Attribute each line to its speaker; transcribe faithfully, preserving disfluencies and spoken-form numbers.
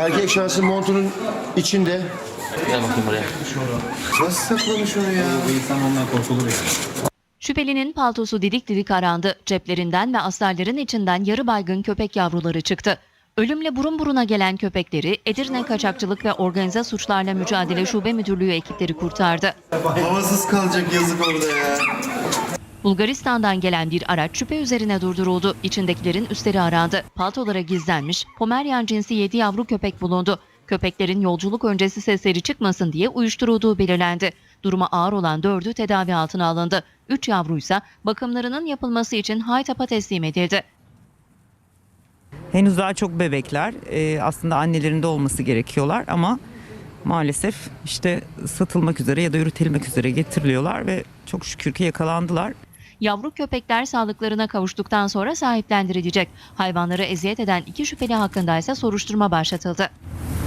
Speaker 1: Erkek şansı montunun içinde.
Speaker 2: Gel bakayım buraya.
Speaker 1: Nasıl saklamış onu ya?
Speaker 3: Bu insan ondan korkulur yani.
Speaker 4: Şüphelinin paltosu didik didik arandı. Ceplerinden ve astarların içinden yarı baygın köpek yavruları çıktı. Ölümle burun buruna gelen köpekleri Edirne Kaçakçılık ve Organize Suçlarla Mücadele Şube Müdürlüğü ekipleri kurtardı.
Speaker 1: Havasız kalacak yazık orada ya.
Speaker 4: Bulgaristan'dan gelen bir araç şüphe üzerine durduruldu. İçindekilerin üstleri arandı. Paltolara gizlenmiş Pomeryan cinsi yedi yavru köpek bulundu. Köpeklerin yolculuk öncesi sesleri çıkmasın diye uyuşturulduğu belirlendi. Durumu ağır olan dördü tedavi altına alındı. Üç yavruysa bakımlarının yapılması için Haytap'a teslim edildi.
Speaker 5: Henüz daha çok bebekler. Ee, aslında annelerinde olması gerekiyorlar ama maalesef işte satılmak üzere ya da üretilmek üzere getiriliyorlar ve çok şükür ki yakalandılar.
Speaker 4: Yavru köpekler sağlıklarına kavuştuktan sonra sahiplendirilecek. Hayvanları eziyet eden iki şüpheli hakkında ise soruşturma başlatıldı.